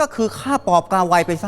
ก็คือฆ่าปอบกาไวไปซะ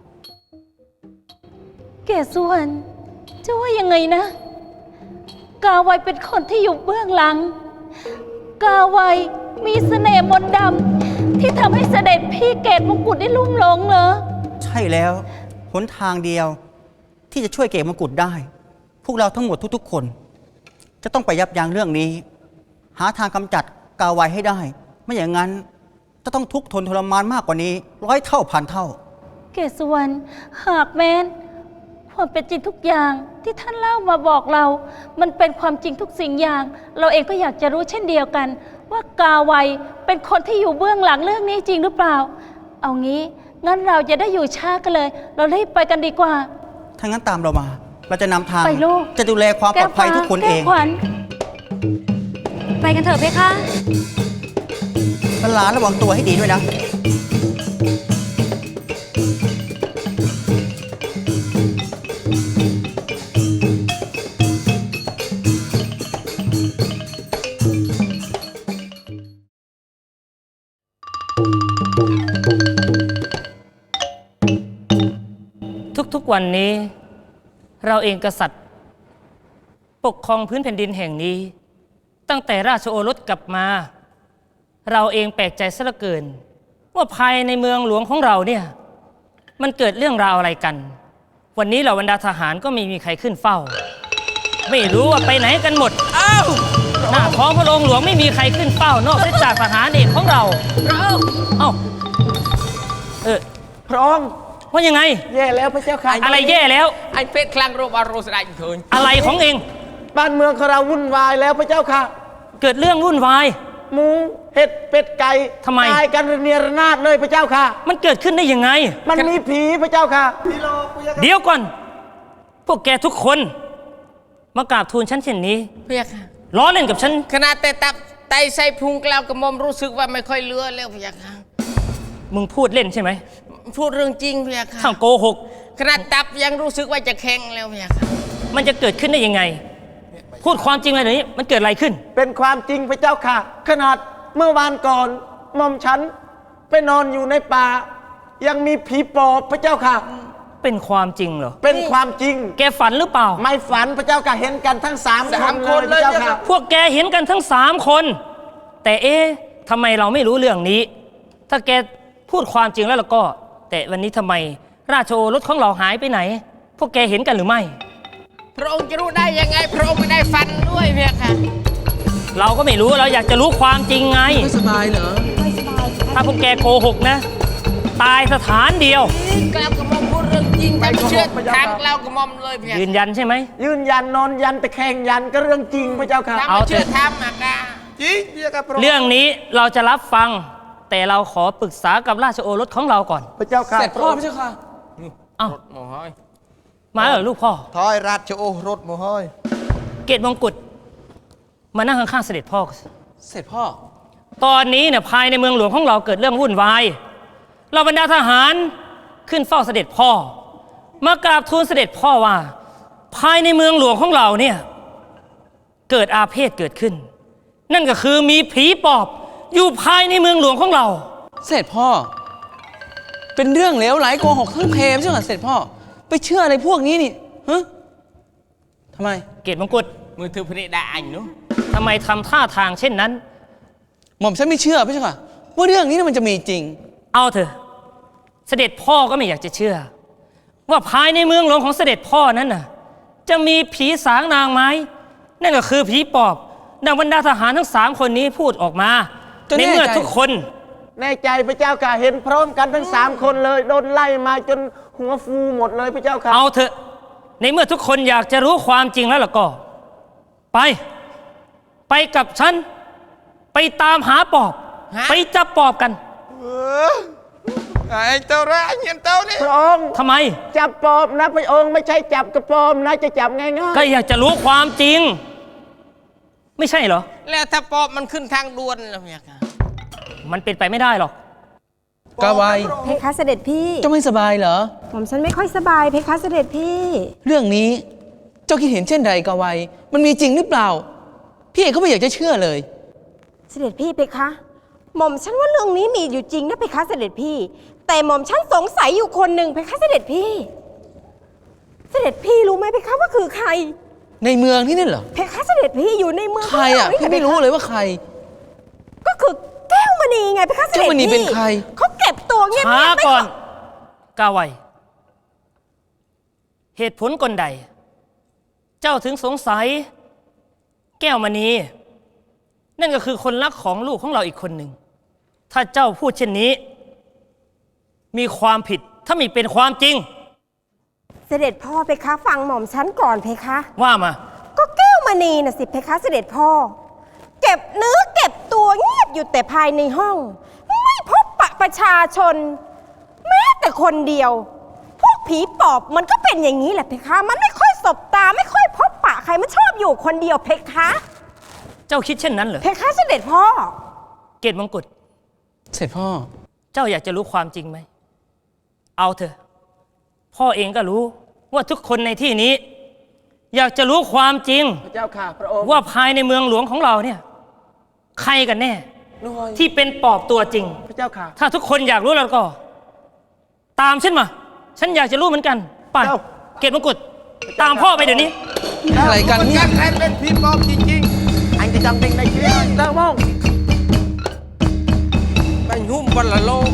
เกศวรจะว่ายังไงนะ กาไวเป็นคนที่อยู่เบื้องหลัง กาไวมีเสน่ห์มนต์ดำที่ทำให้เสด็จพี่เกศมงกุฎได้ลุ่มหลงเหรอใช่แล้วหนทางเดียวที่จะช่วยเกศมงกุฎได้พวกเราทั้งหมดทุกๆคนจะต้องไปยับยั้งเรื่องนี้หาทางกำจัดกาไวให้ได้ไม่อย่างนั้นจะต้องทุกข์ทนทรมานมากกว่านี้100 เท่าพันเท่าเกศวรหากแม้นความเป็นจริงทุกอย่างที่ท่านเล่ามาบอกเรามันเป็นความจริงทุกสิ่งอย่างเราเองก็อยากจะรู้เช่นเดียวกันว่ากาไวเป็นคนที่อยู่เบื้องหลังเรื่องนี้จริงหรือเปล่าเอางี้งั้นเราจะได้อยู่ช้ากันเลยเรารีบไปกันดีกว่าถ้างั้นตามเรามาเราจะนำทางไปลูกจะดูแลความปลอดภัยทุกคนเองไปกันเถอะเพคะหลานระวังตัวให้ดีด้วยนะทุกๆวันนี้เราเองกษัตริย์ปกครองพื้นแผ่นดินแห่งนี้ตั้งแต่ราชโอรสกลับมาเราเองแปลกใจซะเหลือเกินว่าภายในเมืองหลวงของเราเนี่ยมันเกิดเรื่องราวอะไรกันวันนี้เหล่าบรรดาทหารก็ไม่มีใครขึ้นเฝ้าไม่รู้ว่าไปไหนกันหมดอ้าวหน้าท้องพระโรงหลวงไม่มีใครขึ้นเฝ้านอกจากทหารเอกของเราเอ้าพระองค์ว่ายังไงแย่แล้วพระเจ้าค่ะอะไรแย่แล้วไอ้เป็ดคลังโรบอารสได้เถินอะไรของเองบ้านเมืองของเราวุ่นวายแล้วพระเจ้าค่ะเกิดเรื่องวุ่นวายหมูเห็ดเป็ดไก่ทำไมตายกันระเนียระนาดเลยพระเจ้าค่ะมันเกิดขึ้นได้ยังไงมันมีผีพระเจ้าค่ะเดี๋ยวก่อนพวกแกทุกคนมากราบทูลฉันเช่นนี้เพียค่ะล้อเล่นกับฉันขนาดแต่ตับไตใส่พุงกล่าวกระมอมรู้สึกว่าไม่ค่อยเลือแล้วเพียค่ะมึงพูดเล่นใช่ไหมพูดเรื่องจริงเพียค่ะถ้าโกหกขนาดตับยังรู้สึกว่าจะแข็งแล้วเพียค่ะมันจะเกิดขึ้นได้ยังไงพูดความจริงอะไรนี้มันเกิดอะไรขึ้นเป็นความจริงพระเจ้าค่ะขนาดเมื่อวานก่อนหม่อมฉันไปนอนอยู่ในป่ายังมีผีปอบพระเจ้าค่ะเป็นความจริงเหรอเป็นความจริงแกฝันหรือเปล่าไม่ฝันพระเจ้าค่ะเห็นกันทั้ง3 คนเลยพระเจ้าค่ะพวกแกเห็นกันทั้ง3 คนแต่ทำไมเราไม่รู้เรื่องนี้ถ้าแกพูดความจริงแล้วก็แต่วันนี้ทำไมราชโอรสของเราหายไปไหนพวกแกเห็นกันหรือไม่พระองค์จะรู้ได้ยังไงพระองค์ไม่ได้ฟันด้วยเพียค่ะเราก็ไม่รู้เราอยากจะรู้ความจริงไงไม่สบายเหรอไม่สบายถ้าพวกแกโกหกนะตายสถานเดียวกล่าวกระมอมพูดเรื่องจริงแต่เชื่อทางกล่าวกระมอมเลยเพียยืนยันใช่ไหมยืนยันนอนยันแต่แข่งยันก็เรื่องจริงพระเจ้าค่ะเอาเชื่อทำอะค่ะจริงเรื่องนี้เราจะรับฟังแต่เราขอปรึกษากับราชโอรสของเราก่อนพระเจ้าค่ะเสร็จพ่อพระเจ้าค่ะเอ้ามาเหรอลูกพ่อทอยราชโอรสโมหอยเกศมงกุฎมานั่งข้างๆเสด็จพ่อเสร็จพ่อตอนนี้เนี่ยภายในเมืองหลวงของเราเกิดเรื่องวุ่นวายเราบรรดาทหารขึ้นเฝ้าเสด็จพ่อมากราบทูลเสด็จพ่อว่าภายในเมืองหลวงของเราเนี่ยเกิดอาเพศเกิดขึ้นนั่นก็คือมีผีปอบอยู่ภายในเมืองหลวงของเราเสร็จพ่อเป็นเรื่องเลวไหลโกหกทั้งเพมใช่ไหมเสร็จพ่อไปเชื่ออะไรพวกนี้นี่ฮะทำไมเกศมงกุฎมือถือพระเนตรอันนู้ทำไมทำท่าทางเช่นนั้นหม่อมฉันไม่เชื่อพี่เจ้าค่ะว่าเรื่องนี้มันจะมีจริงเอาเถอะเสด็จพ่อก็ไม่อยากจะเชื่อว่าภายในเมืองหลวงของเสด็จพ่อนั้นน่ะจะมีผีสางนางไม้นั่นก็คือผีปอบดังบรรดาทหารทั้ง3 คนนี้พูดออกมาในเมื่อทุกคนแน่ใจพระเจ้าค่ะเห็นพร้อมกันทั้ง3 คนเลยโดนไล่มาจนหัวฟูหมดเลยพระเจ้าค่ะเอาเถอะในเมื่อทุกคนอยากจะรู้ความจริงแล้วล่ะก็ไปกับฉันไปตามหาปอบไปจับปอบกันไอ้เจ้าแร่เงี้ยเจ้านี่พระองค์ทำไมจับปอบนะพระองค์ไม่ใช่จับกระปอมนะจะจับง่ายๆก็อยากจะรู้ความจริงไม่ใช่เหรอแล้วถ้าปอบมันขึ้นทางด่วนแล้วเนี่ยมันเป็นไปไม่ได้หรอกกาไวเพคะเสด็จพี่เจ้าไม่สบายเหรอผมฉันไม่ค่อยสบายเพคะเสด็จพี่เรื่องนี้เจ้าคิดเห็นเช่นใดกาไวมันมีจริงหรือเปล่าพี่เอกก็ไม่อยากจะเชื่อเลยเสด็จพี่เพคะหม่อมฉันว่าเรื่องนี้มีอยู่จริงนะเพคะเสด็จพี่ แต่หม่อมฉันสงสัยอยู่คนหนึ่งเพคะเสด็จพี่ เสด็จพี่รู้ไหมเพคะว่าคือใครในเมืองที่นี่เหรอเพคะเสด็จพี่อยู่ในเมืองใครอ่ะของพี่เราไม่รู้เลยว่าใครก็คือแก้วมณีไงเพคะเสด็จพี่แก้วมณีเป็นใครเขาเก็บตัวเงียบช้าๆไม่ก่อนขกาไวเหตุผลกลใด เจ้าถึงสงสัย แก้วมณีนั่นก็คือคนรักของลูกของเราอีกคนหนึ่ง ถ้าเจ้าพูดเช่นนี้ มีความผิดถ้ามีเป็นความจริงเสด็จพ่อเพคะฟังหม่อมฉันก่อนเพคะว่ามาก็แก้วมณีน่ะสิเพคะเสด็จพ่อ เก็บเนื้อเก็บตัวเงียบอยู่แต่ภายในห้อง ไม่พบปะประชาชน แม้แต่คนเดียว พวกผีปอบมันก็เป็นอย่างนี้แหละเพคะ มันไม่ค่อยสบตาไม่ค่อยพบปะใครมันชอบอยู่คนเดียวเพคะเจ้าคิดเช่นนั้นเหรอเพคะเสด็จพ่อเกตมงกุฎเสร็จพ่อเจ้าอยากจะรู้ความจริงไหม เอาเถอะ พ่อเองก็รู้ว่าทุกคนในที่นี้ อยากจะรู้ความจริงพระเจ้าค่ะ พระองค์ว่าภายในเมืองหลวงของเราเนี่ย ใครกันแน่น้อยที่เป็นปอบตัวจริงพระเจ้าค่ะถ้าทุกคนอยากรู้แล้วก็ ตามฉันมา ฉันอยากจะรู้เหมือนกันไปเจ้าเกตมงกุฎตามพ่อไปเดี๋ยวนี้อะไรกันเนี่ยใครเป็นผีปอบจริงๆ anhจะจำเป็นในชีวิตได้มั้ง Bánh hùm vật là lô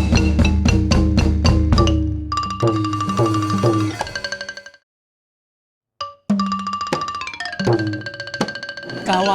กาไว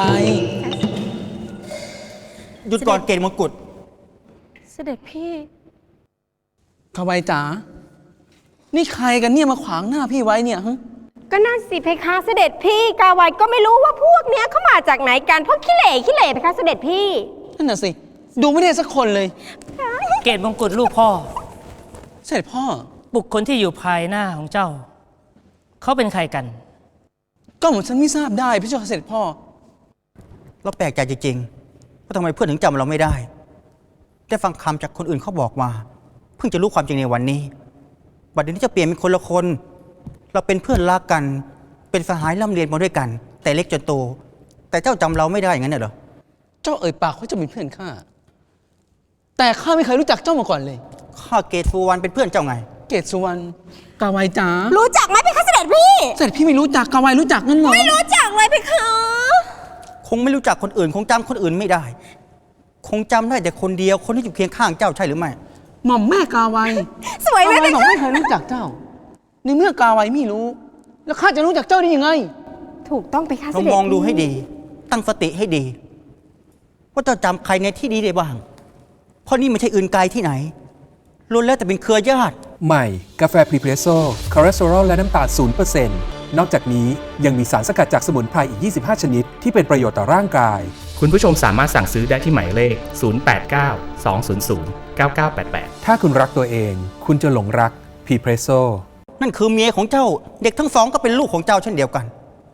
หยุดก่อนเกณฑ์มงกุฎเสด็จพี่กาไวจ๋า นี่ใครกันเนี่ยมาขวางหน้าพี่ไว้เนี่ยฮะก็นั่นสิเพคะเสด็จพี่ กาไวก็ไม่รู้ว่าพวกเนี้ยเขามาจากไหนกันพวกขี้เหร่เพคะเสด็จพี่นั่นน่ะสิ ดูไม่ได้สักคนเลยเกตมงกุฎลูกพ่อเสร็จพ่อบุคคลที่อยู่ภายหน้าของเจ้า เขาเป็นใครกันก็เหมือนฉันไม่ทราบได้พี่เจ้าค่ะเสร็จพ่อเราแปลกใจจริงๆว่าทำไมเพื่อนถึงจำเราไม่ได้ ได้ฟังคำจากคนอื่นเขาบอกมา เพิ่งจะรู้ความจริงในวันนี้ บัดนี้จะเปลี่ยนเป็นคนละคน เราเป็นเพื่อนรักกัน เป็นสหายร่ำเรียนมาด้วยกัน แต่เล็กจนโต แต่เจ้าจำเราไม่ได้อย่างนั้นเหรอเจ้าเอ่ยปากว่าจะเป็นเพื่อนข้า แต่ข้าไม่เคยรู้จักเจ้ามาก่อนเลยข้าเกตสุวรรณเป็นเพื่อนเจ้าไงเกตสุวรรณ กาไวจ๋ารู้จักไหมเพคะเสด็จพี่เสร็จพี่ไม่รู้จักกาไวรู้จักงั้นเหรอไม่รู้จักเลยเพคะคงไม่รู้จักคนอื่น คงจำคนอื่นไม่ได้ คงจำได้แต่คนเดียว คนที่อยู่เคียงข้างเจ้าใช่หรือไม่หม่อมแม่กาไวสวยไหมกาไวเพบอกคะไม่เคยรู้จักเจ้า ในเมื่อกาไวไม่รู้ แล้วข้าจะรู้จักเจ้าได้ยังไงถูกต้องเพคะเสเราด็จมองดูให้พี่ดี ตั้งสติให้ดี ว่าเจ้าจำใครในที่นี้ได้บ้าง เพราะนี่ไม่ใช่อื่นไกลที่ไหนล้วนแล้วแต่เป็นเครือญาติใหม่ กาแฟพรีเพรสโซ่คอเลสเตอรอลและน้ำตาล 0% นอกจากนี้ยังมีสารสกัดจากสมุนไพรอีก 25 ชนิด ที่เป็นประโยชน์ต่อร่างกายคุณผู้ชมสามารถสั่งซื้อได้ที่หมายเลข 089 200 9988 ถ้าคุณรักตัวเอง คุณจะหลงรักพรีเพรสโซ่นั่นคือเมียของเจ้า เด็กทั้งสองก็เป็นลูกของเจ้าเช่นเดียวกัน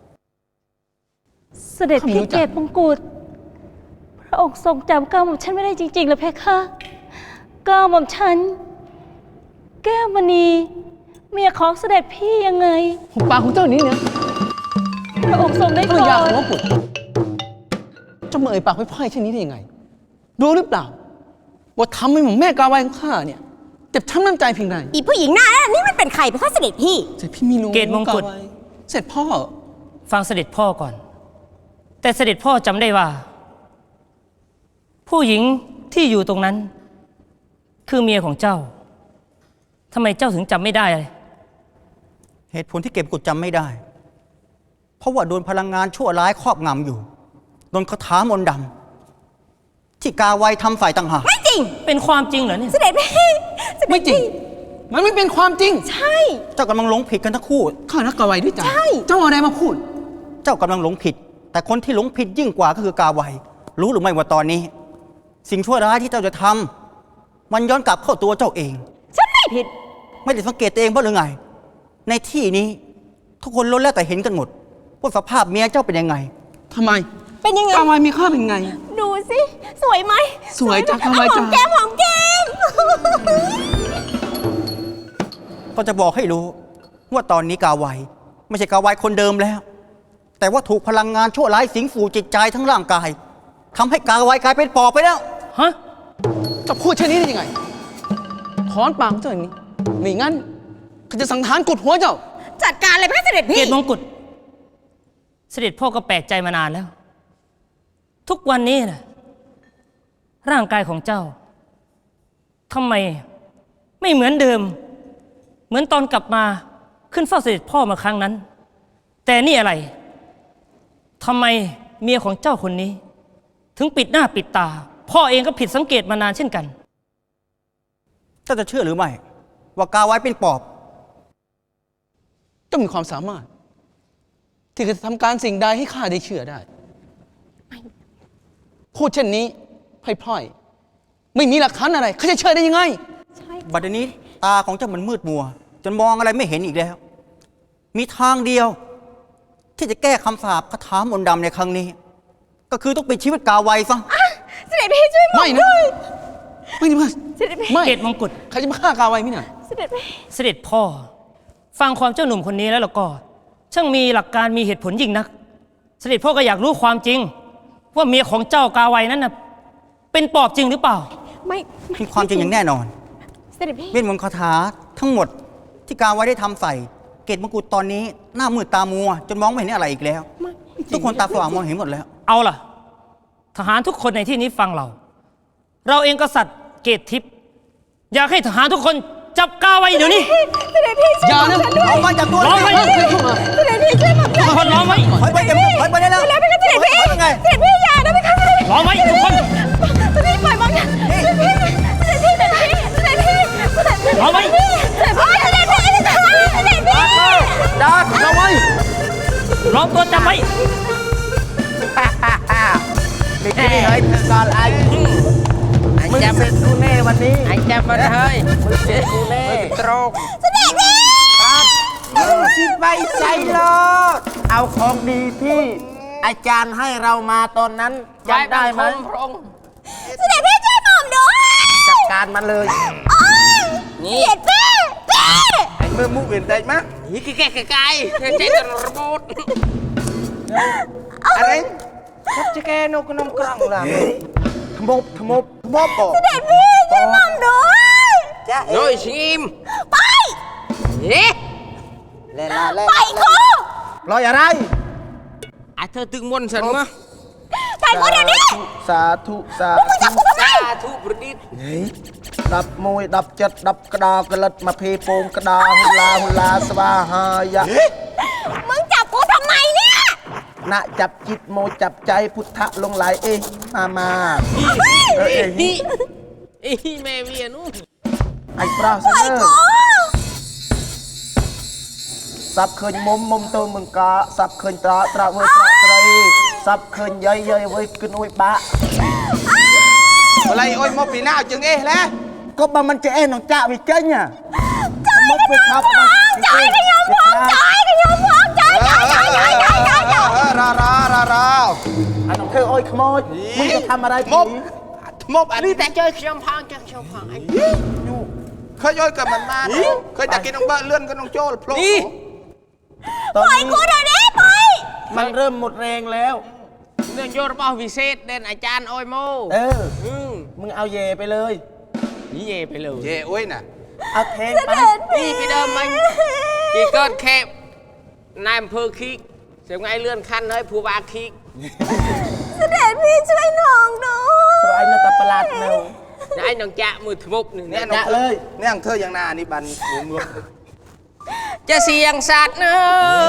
เสด็จเขาไม่พี่รู้จักเกตมงกุฎพระองค์ทรงจำก้าวหม่อมฉันไม่ได้จริงๆเหรอเพคะก้าวหม่อมฉัน แก้วมณีเมียของเสด็จพี่ยังไงหุบปากของเจ้านี้เนี่ยพระองค์ทรงได้ภรโปรรยาของดพ่อขุดเจ้ามาเอ่ยปากไว้พ่ายเช่นนี้ได้ยังไง รู้หรือเปล่า ว่าทำให้หม่อมแม่กาไวของข้าเนี่ยเจ็บช้ำน้ำใจเพียงใดอีผู้หญิงหน้านั่นนี่มันเป็นใครเพคะเสด็จพี่เสร็จพี่ไม่รู้เกตมงกุฎาไวเสร็จพ่อฟังเสด็จพ่อก่อน แต่เสด็จพ่อจำได้ว่า ผู้หญิงที่อยู่ตรงนั้น คือเมียของเจ้าทำไมเจ้าถึงจำไม่ได้เลยเหตุผลที่เก็บกุดจำไม่ได้ เพราะว่าโดนพลังงานชั่วร้ายครอบงำอยู่ โดนคาถามนต์ดำที่กาไวทำฝ่ายต่างหากไม่จริงเป็นความจริงเหรอเนี่ยเสด็จพี่เสด็จไม่จริงพี่มันไม่เป็นความจริงใช่เจ้ากำลังหลงผิดกันทั้งคู่ข้ารักกาไวด้วยจ้ะใช่เจ้าเอาอะไรมาพูดเจ้ากำลังหลงผิด แต่คนที่หลงผิดยิ่งกว่าก็คือกาไว รู้หรือไม่ว่าตอนนี้ สิ่งชั่วร้ายที่เจ้าจะทำมันย้อนกลับเข้าตัวเจ้าเองฉันไม่ผิดไม่ได้สังเกตตัวเองบ้างหรือไง ในที่นี้ ทุกคนล้วนแล้วแต่เห็นกันหมดว่าสภาพเมียเจ้าเป็นยังไงทำไมเป็นยังไงกาไวมีค่าเป็นไงดูสิ สวยไหมสวยจ้ะไหมกาไวหอจ้ะมแก้มหอมแก้มก็จะบอกให้รู้ว่าตอนนี้กาไวไม่ใช่กาไวคนเดิมแล้ว แต่ว่าถูกพลังงานชั่วร้ายสิงสู่จิตใจทั้งร่างกายทำให้กาไวกลายเป็นปอบไปแล้วฮะจะพูดเช่นนี้ได้ยังไงถอนปากของเจ้าอย่างนี้ไม่งั้นข้าจะสังหารกดหัวเจ้าจัดการเลยพระเสด็จเกพี่ตมงกุฎเสด็จพ่อก็แปลกใจมานานแล้ว ทุกวันนี้นะร่างกายของเจ้าทำไมไม่เหมือนเดิม เหมือนตอนกลับมาขึ้นเฝ้าเสด็จพ่อมาครั้งนั้น แต่นี่อะไรทำไมเมียของเจ้าคนนี้ ถึงปิดหน้าปิดตา พ่อเองก็ผิดสังเกตมานานเช่นกันเจ้าจะเชื่อหรือไม่ ว่ากาไว้เป็นปอบเจ้ามีความสามารถ ที่จะทำการสิ่งใดให้ข้าได้เชื่อได้ พูดเช่นนี้พล่อยๆไม่มีหลักฐานอะไรข้าจะเชื่อได้ยังไงบัดนี้ตาของเจ้ามันมืดมัว จนมองอะไรไม่เห็นอีกแล้ว มีทางเดียว ที่จะแก้คำสาปคาถามนต์ดำในครั้งนี้ ก็คือต้องปิดชีวิตกาไวซะเสด็จพี่ช่วยผมไม่นะด้วยไม่ได้มาเสด็จพี่ไม่เกตมงกุฎใครจะมาฆ่ากาไว้มิน่ะเสด็จพี่เสด็จพ่อ ฟังความเจ้าหนุ่มคนนี้แล้วก็ ช่างมีหลักการมีเหตุผลยิ่งนัก เสด็จพ่อก็อยากรู้ความจริง ว่าเมียของเจ้ากาไวนั้นน่ะเป็นปอบจริงหรือเปล่าไม่มีความจริงอย่างแน่นอนเสด็จพี่เวทมนต์คาถาทั้งหมดที่กาไว้ได้ทำใส่ เกตมงกุฎตอนนี้หน้ามืดตามัว จนมองไม่เห็นอะไรอีกแล้ว ทุกคนตาสว่างมองเห็นหมดแล้วเอาล่ะ ทหารทุกคนในที่นี้ฟังเรา เราเองกษัตริย์เกตทิพย์อยากให้ทหารทุกคนจับกาไว้เดี๋ยวนี้เสด็จพี่ช่วยอย่านะผมด้วยเอามาจับตัวร้องไว้เฮ้ยเข้ามาเสด็จพี่ช่วยผมด้วยทุกคนร้องไว้ถอยไปเก็บถอยไปได้แล้วแล้วพี่เสด็จพี่ถอยไปไงเสด็จพี่อย่านะพี่คะเสด็จพี่ร้องไว้ทุกคนเสด็จพี่ปล่อยมองนะเสด็จพี่เสด็จพี่เสด็จพี่เสด็จพี่เสด็จพี่ร้องไว้เสด็จพี่เสด็จพี่เสด็จพี่เสด็จพี่ดาดเราไว้ร้องตัวจับไว้เด็กนี่เฮ้ยเธอก่อนไอ้มึงเสร็จกูแน่วันนี้ไอ้แจมมาเฮ้ยมึงเสร็จกูแน่ตรงเสด็จพี่ครับมึงชิดไปใจโลดเอาของดีที่อาจารย์ให้เรามาตอนนั้นจำได้ไหมเสด็จพี่ช่วยผมด้วยจัดการมันเลยนี่เสด็จพี่พี่ไอ้เมื่อมุกเปลี่ยนใจมั้ยนี่แก่ไก่ใจจะระบุดอะไรชัดจะแกนกนมกรังล่ะทมบบอกเสด็จพี่ช่วยผมด้วยจ้าเอ๋โดยชิมไปเอ๊ะเล่นละเล่นไปกูรอยอะไรอ่ะเธอตึงมนฉันมาไปกูเดี๋ยวนี้สาธุสามึงจับกูทำไมทุประดิษฐ์ดับมวยดับจัดดับกระดากระลัดมาเพโปงกระดาหุลาสวาหายะมึงจับกูทำไมเนี่ยณจับจิตโมจับใจพุทธะลงไหลเองมาเอ้ยนี่แม่เมียนู้นไอ้ปลาเสนอสับเคยมุมตัวมึงกะสับเคยตราเว้ยตราไตรสับเคยเย้ยเว้ยขึ้นอุ้ยบะอะไรโอ้ยมปีหน้าจึงเอ๊ะแล้วก็บางมันจะเอ๊ะน้องจ่าวิเจ้าเนี่ยมกไปครับจอยกันยอมพ้องจอยกันยอมพ้องจอยรออันน้องเธอโอ้ยขโมยมึงจะทำอะไรผีมบอันนี้แต่เจอชมพังจังชมพังไอ้เคยย่อยกับมันมาเคยจะกินน้องเบอร์เลื่อนกับน้องโจ้โผล่ตอนปล่อยนี้กูเดี๋ยวนี้ไปมันเริ่มหมดแรงแล้วเรื่องโยนเป้าวิเศษเด่นอาจารย์โอยโมมึงเอาเยไปเลยนี่เย่ไปเลยเยโอ้ยน่ะเอาเทงไปนี่ไปเดิมมันกี่ก้อนแคบนายอำเภอคิกเสียงไงเลื่อนขั้นเฮ้ยผู้ว่าคิกเสด็จพี่ช่วยน้องด้วยไอ้นาตาประหลาดเนานายน้องจะมือทมุกหนึ่งเนี่ยน้องเลยเนี่ยเธออย่างนานี่บันมือจะเสียงสัตว์เนอะ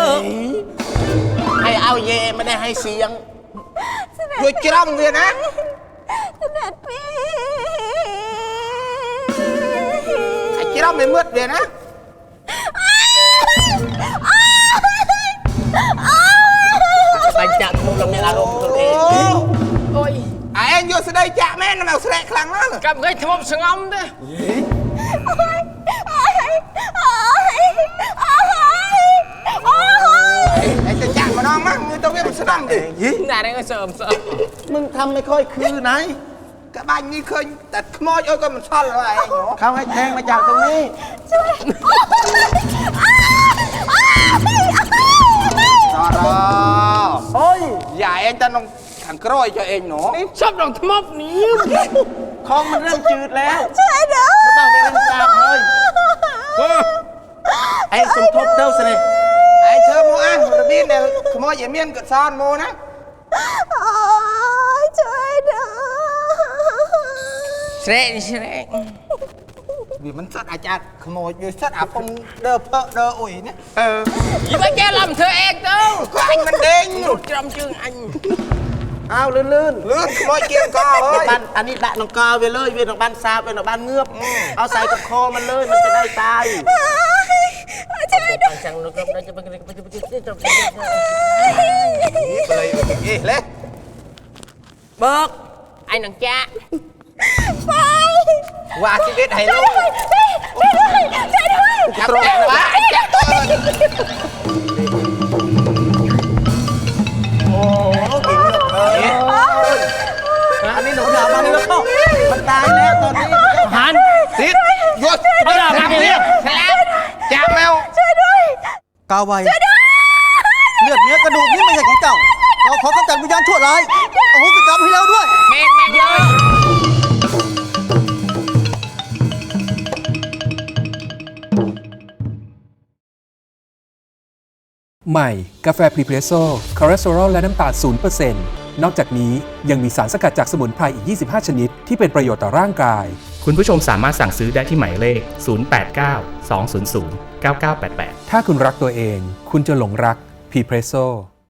ให้เอาเยไม่ได้ให้เสียงด้วยจ้องเวียนะเสด็จพี่ไอ้จ้องไม่มืดเวียนะไปจับมุกลงในอารมณ์ตัวเองโอ้ยไอ้เอ็นโยสได้จ่าแม่นำเอาแสดงครั้งนั้นกับเงยทมุกสงอมเด้อไอ้จะจ่ามาน้องมั้งมือตัวเวียมันสนั่งดินายก็เสริมมึงทำไม่ค่อยคือไหนกระบ้านนี้เคยแต่ขโมยโอ้ยก็มันซ่อนอะไรเขาให้แทงมาจากตรงนี้รอโอ้ยอย่าเอ็นจะน้องขันกร้อยจะเองหนูชอบดอกทมุกนี้ขคองมันเริ่มจืดแล้วช่วยเด้อบ้างไปเริ่มซาบเลยไอ้สมทบเด้อสิไอ้เธอโมอันระเบียนเนี่ยขโมยอย่าเมียนกับซ่อนโมนะช่วยเด้อเสร็จvì mình sát ai chặt khmồi như sát à phong đơ phơ đơ ủi nhé gì mà cha làm thưa em đâu có anh mình đen một trăm chương anh ao lươn lươn khmồi kia co ơi ban anh đi đại nó co về lơi về nó ban xa về nó ban ngướp ao xàiกับคอมันเลยมันจะได้ตายจังnóก็ได้จะไปเลยเบิกไอ้หนังจ้าว่าชีวิตให้ลูกช่วยด้วยจับแจ้งว่าจับตัวโอ้กินอันนี้หนูดาบมานี่แล้วเข้ามันตายแล้วตอนนี้หันติดหยุดเขาดาบมาเนี่ยจับแมวช่วยด้วยกาไวเลือดเนื้อกระดูกนี่ไม่ใช่ของเจ้าเราขอกำจัดวิญญาณชั่วร้ายโอ้โหกรรมให้แล้วด้วยแม่งเลยใหม่ กาแฟพรีเพรสโซ่คอเลสเตอรอลและน้ำตาล 0% นอกจากนี้ยังมีสารสกัดจากสมุนไพรอีก 25 ชนิด ที่เป็นประโยชน์ต่อร่างกายคุณผู้ชมสามารถสั่งซื้อได้ที่หมายเลข 089 200 9988 ถ้าคุณรักตัวเอง คุณจะหลงรักพรีเพรสโซ่